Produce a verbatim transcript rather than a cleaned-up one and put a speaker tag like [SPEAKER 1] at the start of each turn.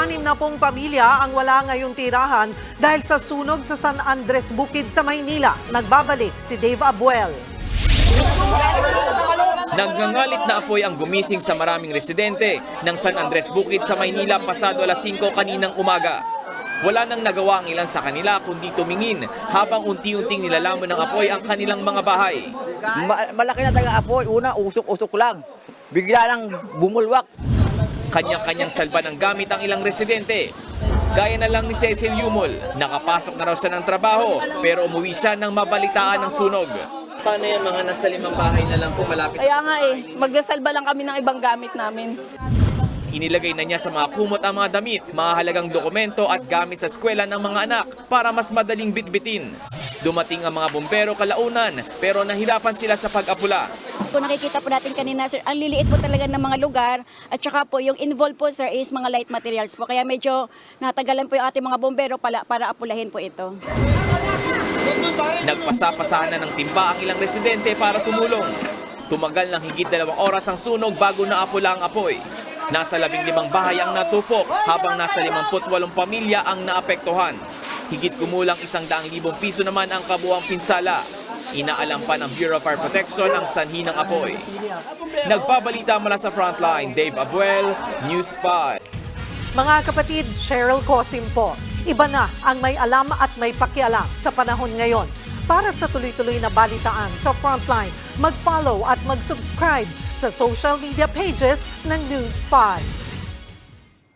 [SPEAKER 1] anim na pong pamilya ang wala ngayong tirahan dahil sa sunog sa San Andres Bukid sa Maynila. Nagbabalik si Dave Abuel.
[SPEAKER 2] Nagngangalit na apoy ang gumising sa maraming residente ng San Andres Bukid sa Maynila pasado alas singko kaninang umaga. Wala nang nagawa ang ilan sa kanila kundi tumingin habang unti-unting nilalaman ng apoy ang kanilang mga bahay.
[SPEAKER 3] Ma- malaki na talaga apoy. Una, usok-usok lang. Bigla lang bumulwak.
[SPEAKER 2] Kanya-kanyang salba ng gamit ang ilang residente. Gaya na lang ni Cecil Yumol, nakapasok na raw siya ng trabaho pero umuwi siya nang mabalitaan ng sunog. Paano yung mga nasa limang bahay na lang po malapit?
[SPEAKER 4] Kaya nga eh, magdasalba lang kami ng ibang gamit namin.
[SPEAKER 2] Inilagay na niya sa mga kumot ang mga damit, mga halagang dokumento at gamit sa eskwela ng mga anak para mas madaling bitbitin. Dumating ang mga bumbero kalaunan pero nahirapan sila sa pag-apula.
[SPEAKER 5] Kung nakikita po natin kanina, sir, ang liliit po talaga ng mga lugar at saka po yung involved po, sir, is mga light materials po. Kaya medyo natagalan po yung ating mga bumbero para, para apulahin po ito.
[SPEAKER 2] Nagpasapasahan na ng timba ang ilang residente para tumulong. Tumagal ng higit dalawang oras ang sunog bago naapula ang apoy. Nasa labing limang bahay ang natupok habang nasa limamput walong pamilya ang naapektuhan. Higit kumulang isang daang libong piso naman ang kabuang pinsala. Inaalam pa ng Bureau of Fire Protection ang sanhi ng apoy. Nagbabalita mula sa Frontline, Dave Abuel, News five.
[SPEAKER 1] Mga kapatid, Cheryl Cosim po. Iba na ang may alam at may pakialam sa panahon ngayon. Para sa tuloy-tuloy na balitaan sa Frontline, mag-follow at mag-subscribe sa social media pages ng News five.